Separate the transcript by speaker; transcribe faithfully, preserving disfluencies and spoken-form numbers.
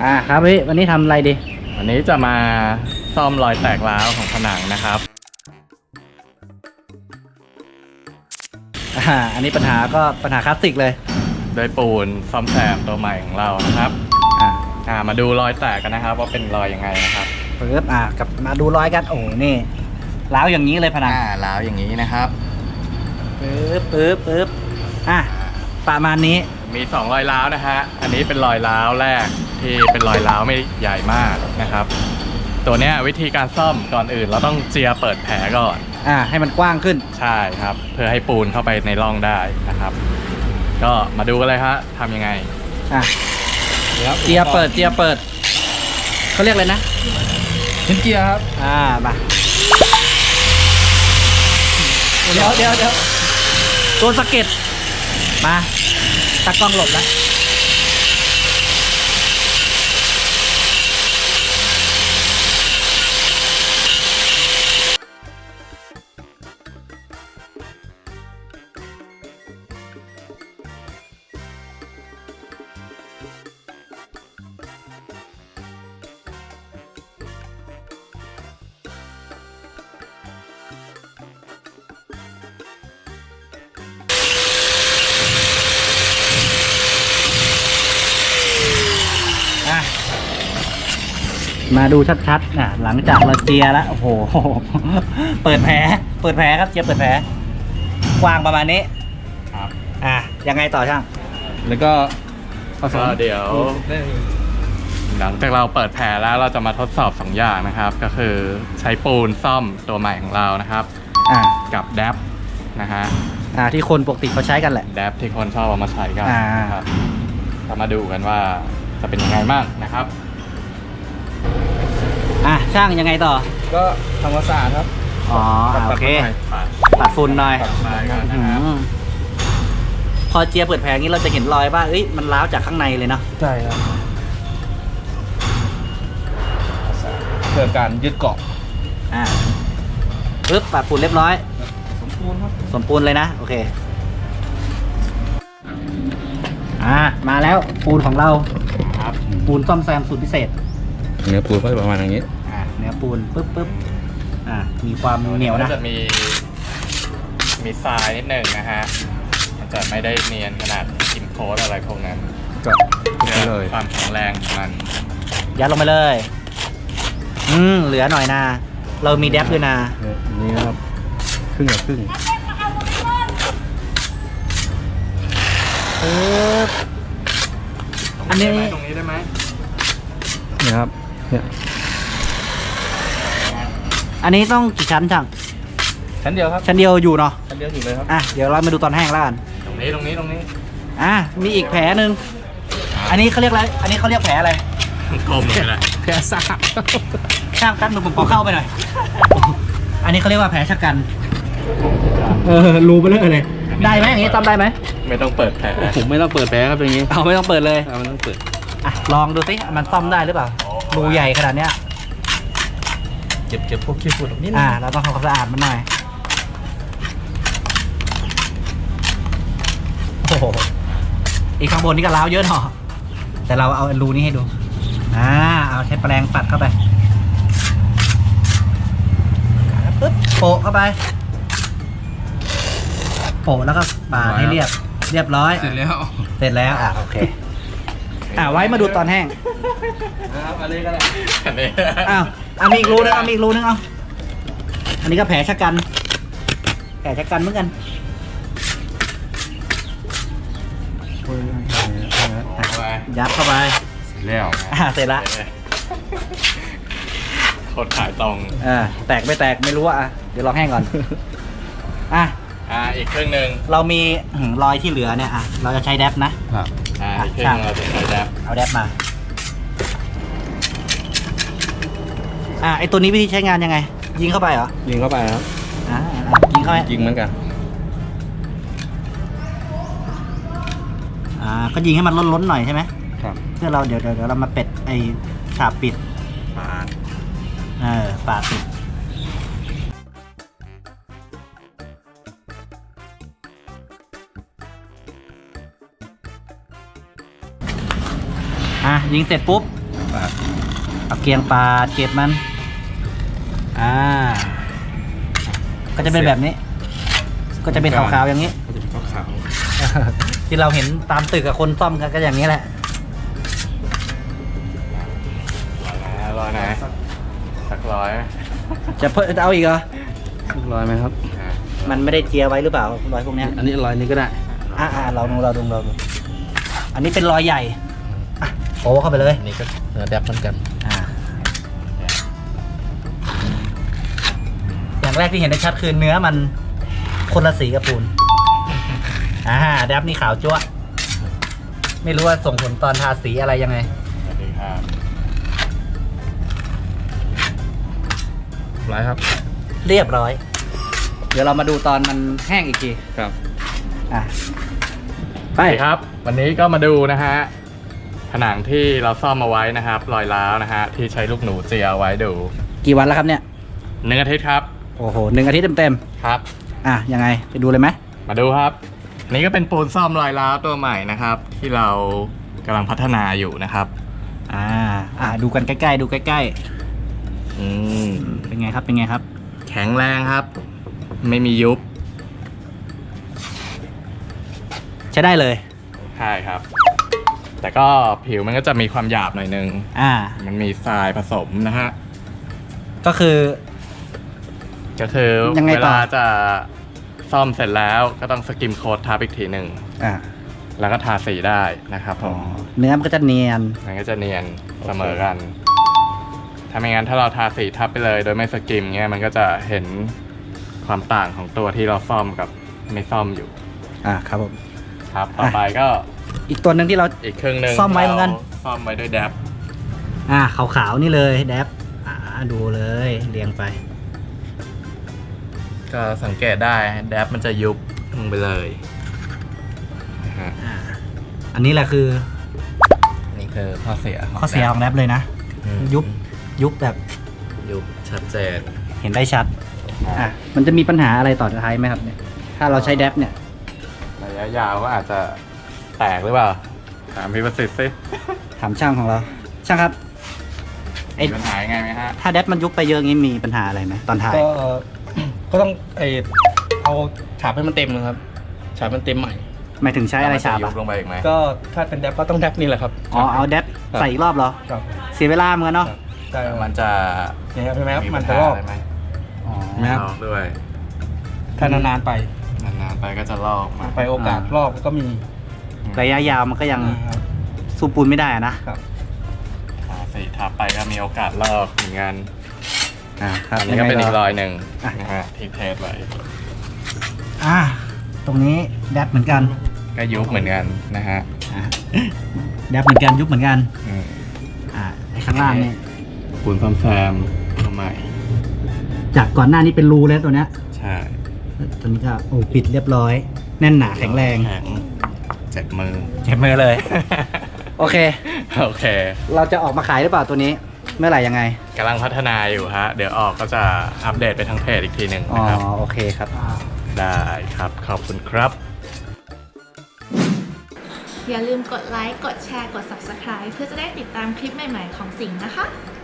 Speaker 1: อ่าครับพี่วันนี้ทำอะไรดี
Speaker 2: วันนี้จะมาซ่อมรอยแตกร้าวของผนังนะครับ
Speaker 1: อ่าอันนี้ปัญหาก็ปัญหาคลาสสิกเลย
Speaker 2: โดยปูนซ่อมแซมตัวใหม่ของเรานะครับอ่าอ่ามาดูรอยแตกกันนะครับว่าเป็นรอยยังไงนะครับ
Speaker 1: ปึ๊บอ่ากับมาดูรอยกันโอ้นี่ร้าวอย่างนี้เลยผนัง
Speaker 2: อ่าร้าวอย่างนี้นะครับ
Speaker 1: ปึ๊บปึ๊บปึ๊บอ่ะประมาณนี้
Speaker 2: มีสองรอยร้าวนะฮะอันนี้เป็นรอยร้าวแรกที่เป็นรอยร้าวไม่ใหญ่มากนะครับตัวเนี้ยวิธีการซ่อมก่อนอื่นเราต้องเจียเปิดแผลก่อน
Speaker 1: อ่าให้มันกว้างขึ้น
Speaker 2: ใช่ครับเพื่อให้ปูนเข้าไปในร่องได้นะครับก็มาดูกันเลยฮะทำยังไง
Speaker 1: อ่ะเจียเปิดเจียเปิดเขาเรียกอะไรนะ
Speaker 2: ชิ้นเจียครับ
Speaker 1: อ่ามาเดี๋ยวเดี๋ยวเดี๋ยวตัวสะเก็ดมาตากล้องหลบนะมาดูชัดๆนะหลังจากเราเจียแล้วโอ้โหเปิดแผลเปิดแผลครับเจียเปิดแผลกว้างประมาณนี้
Speaker 2: ครับ
Speaker 1: อ่ะยังไงต่อช่าง
Speaker 2: แล้วก็ก็เดี๋ยวหลังจากเราเปิดแผลแล้วเราจะมาทดสอบสองอย่างนะครับก็คือใช้ปูนซ่อมตัวใหม่ของเรานะครับ
Speaker 1: อ่า
Speaker 2: กับแดปนะฮะ
Speaker 1: อ่าที่คนปกติเขาใช้กันแหละ
Speaker 2: แดปที่คนชอบเอามาใช้กันนะครับเรามาดูกันว่าจะเป็นยังไงบ้างนะครับ
Speaker 1: อ่ะช่างยังไงต่อ
Speaker 2: ก็ทำความสะอาดครับ
Speaker 1: อ๋อโอเคปัดฝุ่นหน่อยพอเจียเปิดแผลงี้เราจะเห็นรอยว่าเอ้ยมันร้าวจากข้างในเลยเนาะ
Speaker 2: ใช่ครับเกิดการยึดเกาะ
Speaker 1: อ่าปึ๊บปัดฝุ่นเรียบร้อย
Speaker 2: สมบูรณ์ครับ
Speaker 1: สมบูรณ์เลยนะโอเคอ่ามาแล้วปูนของเรา
Speaker 2: ครับ
Speaker 1: ปูนซ่อมแซมสูตรพิเศษ
Speaker 2: เนื้อปูนก็ประมาณอย่างนี้
Speaker 1: อ่าเนื้อปูนปึ๊บปึ๊บอ่ามีความเหนียวนะ
Speaker 2: จะมีมีทรายนิดหนึ่งนะฮะมันจะไม่ได้เนียนขนาดกินโค้ดอะไรพวกนั้น
Speaker 1: ก็
Speaker 2: เลยความแข็งแรงของมัน
Speaker 1: ยัดลงไปเลยอืมเหลือหน่อยนะเรามีแดปด้วยนะ
Speaker 2: นี่ครับครึ่งกับครึ่ง
Speaker 1: ปึ๊บอันนี้
Speaker 2: ตรงนี้ได้ไหม
Speaker 1: เนี่ยครับเนี่ยอันนี้ต้องกี่ชั้นช่าง
Speaker 2: ชั้นเดียวครับ
Speaker 1: ชั้นเดียวอยู่เนาะ
Speaker 2: ชั้นเดียวอยู่เลยครับ
Speaker 1: อ่ะเดี๋ยวเรามาดูตอนแห้งแล้วกัน
Speaker 2: ตรงนี้ตรงนี้ตรงนี้
Speaker 1: อ่ะมีอีกแผลหนึ่งอันนี้เขาเรียกอะไรอันนี้เขาเรียกแผลอะไร
Speaker 2: กลมเลยแหละ
Speaker 1: แผลซากช่างกันหนูผมขอเข้าไปหน่อยอันนี้เขาเรียกว่าแผลชะกันเออรูไปเลยเลยได้ไหมอย่างนี้ทำได้ไหม
Speaker 2: ไม่ต้องเปิดแผลผมไม่ต้องเปิดแผลครับอย่างนี้
Speaker 1: เอาไม่ต้องเปิดเลย
Speaker 2: เอาไม่ต้องเปิด
Speaker 1: อ่ะลองดูสิมันซ่อมได้หรือเปล่ารูใหญ่ขนาดเนี้ย
Speaker 2: เก็บเก็บพวกขี้ฝุ่นนิดนึง
Speaker 1: อ่าเราต้องทำความสะอาดมันหน่อยโอ้โหอีกข้างบนนี่ก็ล้าวเยอะหน่อแต่เราเอารูนี้ให้ดูอ่าเอาใช้แปรงปัดเข้าไปปึ๊บโปะเข้าไปโปะแล้วก็ปาดให้เรียบเรียบร้อย
Speaker 2: เสร็จแล้ว
Speaker 1: เสร็จแล้วอ่ะโอเคอ่าไว้มาดูตอนแห้ง
Speaker 2: ครับอันนี้ก็ได้อันนี้
Speaker 1: อ้าวอ่ะมีอีกรูนึงอ่ะมีอีกรูนึงเอาอันนี้ก็แผลชะกันแผลชะกันเหมือนกันยัดเข้าไป
Speaker 2: เสร็จแล้ว
Speaker 1: อ่าเสร็จละ
Speaker 2: โคตรขายตรง
Speaker 1: อ่าแตกไม่แตกไม่รู้อ่ะเดี๋ยวลองแห้งก่อนอ่ะ
Speaker 2: อ่าอีกครึ่งหนึ่ง
Speaker 1: เรามีรอยที่เหลือเนี่ยอ่ะเราจะใช้แดปนะครับ
Speaker 2: อ่าอีกครึ่งเราจะใช้แดป
Speaker 1: เอาแดปมาอ่าไอตัวนี้วิธีใช้งานยังไงยิงเข้าไปเหรอ
Speaker 2: ยิงเข้าไปครับ
Speaker 1: อ่ายิงเข้าไป
Speaker 2: ยิงเหมือนกัน
Speaker 1: อ่าก็ยิงให้มันล้นๆหน่อยใช่ไหม
Speaker 2: ครับ
Speaker 1: เพื่อเราเดี๋ยวเดี๋ยวเรามาเป็ดไอฉาบปิด
Speaker 2: ปาด
Speaker 1: เออปาดปิดอ่ะยิงเสร็จปุ๊บ
Speaker 2: ปาด
Speaker 1: เอาเกียงปาดเก็บมันอ่าก็จะเป็นแบบนี้ ก็จะเป็นขาวๆอย่างนี้
Speaker 2: ก็จะเป็นขาว
Speaker 1: ที่เราเห็นตามตึกกับคนซ่อมกันก็อย่างนี้แหละ
Speaker 2: ๆร้อยนะร้อยนะสักร้อย
Speaker 1: จะเพิ่มจะเอาอีกเหรอ
Speaker 3: ร้อยไหมครับ
Speaker 2: อ่ะ
Speaker 1: มันไม่ได้เจียไว้หรือเปล่ารอยพวกเนี้ย
Speaker 3: อันนี้ร้อยนี้ก็ได้
Speaker 1: อ่าอ่าเราดูเราดูเราดูอันนี้เป็นรอยใหญ่อ่ะโอ้เข้าไปเลย
Speaker 3: อันนี้ก็เนื้อแดบเหมือนกัน
Speaker 1: อ่าอย่างแรกที่เห็นได้ชัดคือเนื้อมันคนละสีกับปูนอ่าแดบนี่ขาวจั๊วะไม่รู้ว่าส่งผลตอนทาสีอะไรยังไง
Speaker 2: สวัสดีครับ
Speaker 3: ร้อยครับ
Speaker 1: เรียบร้อย เดี๋ยวเรามาดูตอนมันแห้งอีกที
Speaker 2: ครับ
Speaker 1: อ่ะ
Speaker 2: ไปครับ วันนี้ก็มาดูนะฮะผนังที่เราซ่อมเอาไว้นะครับ รอยร้าวนะฮะที่ใช้ลูกหนูเจียเอาไว้ดู
Speaker 1: กี่วันแล้วครับเนี่ย
Speaker 2: หนึ่งอาทิตย์ครับ
Speaker 1: โอ้โหหนึ่งอาทิตย์เต็ม
Speaker 2: ครับ
Speaker 1: ๆอ่ะยังไงไปดูเลยไหม
Speaker 2: มาดูครับอันนี้ก็เป็นปูนซ่อมรอยร้าวตัวใหม่นะครับ ที่เรากำลังพัฒนาอยู่นะครับ
Speaker 1: อ่าอ่าดูกันใกล้ๆดูใกล้
Speaker 2: อืม
Speaker 1: ๆเป็นไงครับเป็นไงครับ
Speaker 2: แข็งแรงครับ ไม่มียุบ
Speaker 1: ใช้ได้เลย
Speaker 2: ใช่ครับ แต่ก็ผิวมันก็จะมีความหยาบหน่อยนึง
Speaker 1: อ่า
Speaker 2: มันมีทรายผสมนะฮะ
Speaker 1: ก็คือ
Speaker 2: ก็คือ
Speaker 1: ยังไง
Speaker 2: เว
Speaker 1: ต่อ
Speaker 2: ลาจะซ่อมเสร็จแล้วก็ต้องสกิมโค้ดทับอีกทีหนึ่ง
Speaker 1: อ่า
Speaker 2: แล้วก็ทาสีได้นะครับผ
Speaker 1: อ๋อ
Speaker 2: ม
Speaker 1: เนื้อมันก็จะเนียน
Speaker 2: มันก็จะเนียนเสมอกัน ถ้าไม่งั้นถ้าเราทาสีทับไปเลย โดยไม่สกิมเงี้ยมันก็จะเห็นความต่างของตัวที่เราซ่อมกับไม่ซ่อมอยู่
Speaker 1: อ่าครับผม
Speaker 2: ครับ ต่อไปก็
Speaker 1: อีกตัวหนึ่งที่เรา
Speaker 2: อีกครึ่งหนึ่ง
Speaker 1: ซ่อมไว้เหมือนกัน
Speaker 2: ราซ่อมไว้ด้วยแดบ
Speaker 1: อ่าขาวๆนี่เลยแดบอ่าดูเลยเรียงไป
Speaker 2: ก็สังเกตได้แดบมันจะยุบลงไปเลยนะฮะ
Speaker 1: อ่าอันนี้แหละคือ
Speaker 2: นี่คือข้อเสียของ
Speaker 1: ข้อเสียของแดบเลยนะ
Speaker 2: อืม
Speaker 1: ยุบยุบแบบ
Speaker 2: ยุบชัดเจน
Speaker 1: เห็นได้ชัดอ่ะมันจะมีปัญหาอะไรต่อท้ายไหมครับเนี่ยถ้าเราใช้แดบเนี่ย
Speaker 2: ระยะยาวก็อาจจะแตกหรือเปล่า ถามพี่ประสิทธิ์สิ
Speaker 1: ถามช่างของเรา ช่างครับไอ้
Speaker 2: มีปัญหายังไงไหมฮะ
Speaker 1: ถ้าแดบมันยุบไปเยอะงี้มีปัญหาอะไรไหมตอนท้าย
Speaker 3: ก็ ก็ต้องไอเอาฉาบให้มันเต็มนะครับ ฉาบมันเต็มใหม่
Speaker 1: หมายถึงใช้อะไรฉาบ
Speaker 2: ยุ
Speaker 1: อ่ะ
Speaker 2: บลงไปอีกไหม
Speaker 3: ก็ถ้าเป็นแดบก็ต้องแดบนี่แหละครับ
Speaker 1: อ๋อเอาแดบใส่อีกรอบเหรอ
Speaker 3: ครับ
Speaker 1: เสียเวลาเหมือนกันเนาะ
Speaker 3: ได้ครับ
Speaker 2: มันจะ
Speaker 3: เนี่ยครับใช่ไหมครับ
Speaker 2: มี
Speaker 3: มั
Speaker 2: ปั
Speaker 3: น
Speaker 2: ญ
Speaker 3: จะ
Speaker 2: หา
Speaker 3: ลอก
Speaker 2: อะไรไหม
Speaker 1: อ๋อ
Speaker 3: ไหมครับ
Speaker 2: ลอกด้วย
Speaker 3: ถ้านานๆไป
Speaker 2: นานๆไปก็จะลอกมา
Speaker 3: ไปโอกาสลอกก็มี
Speaker 1: ระยะยาวมันก็ยัง
Speaker 3: นะครับ
Speaker 1: สู้ปูนไม่ได้อะนะ
Speaker 3: ครับ
Speaker 2: ทาสีทับไปก็มีโอกาสลอกเหมือนกัน
Speaker 1: อ่าครับ
Speaker 2: อันนี้ก็เป็นอีกรอยหนึ่ง
Speaker 1: อ่ะ
Speaker 2: นะฮะที่เทสไว้
Speaker 1: อ่าตรงนี้แดบเหมือนกัน
Speaker 2: ก็ยุบเหมือนกันนะฮะ
Speaker 1: อ่าแดบเหมือนกันยุบเหมือนกัน
Speaker 2: อืม
Speaker 1: อ่าไอ้ข้างล่างนี่
Speaker 2: ปูนซ่อมแซมตัวใหม่
Speaker 1: จากก่อนหน้านี้เป็นรูแล้วตัวเนี้ย
Speaker 2: ใช่
Speaker 1: ตัวนี้ก็โอ้ปิดเรียบร้อย แน่นหนาแข็งแรง
Speaker 2: แข็งเจ็บมือ
Speaker 1: เจ็บมือเลย โอเค
Speaker 2: โอเค
Speaker 1: เราจะออกมาขายหรือเปล่าตัวนี้ เมื่อไหร่ยังไง
Speaker 2: กำลังพัฒนาอยู่ฮะ เดี๋ยวออกก็จะอัปเดตไปทางเพจอีกทีหนึ่ง
Speaker 1: อ๋อ
Speaker 2: นะครับ
Speaker 1: โอเคครับ
Speaker 2: ได้ครับ ขอบคุณครับ
Speaker 4: อย่าลืมกดไลค์ กดแชร์ กด ซับสไครบ์ เพื่อจะได้ติดตามคลิปใหม่ๆของสิงห์นะคะ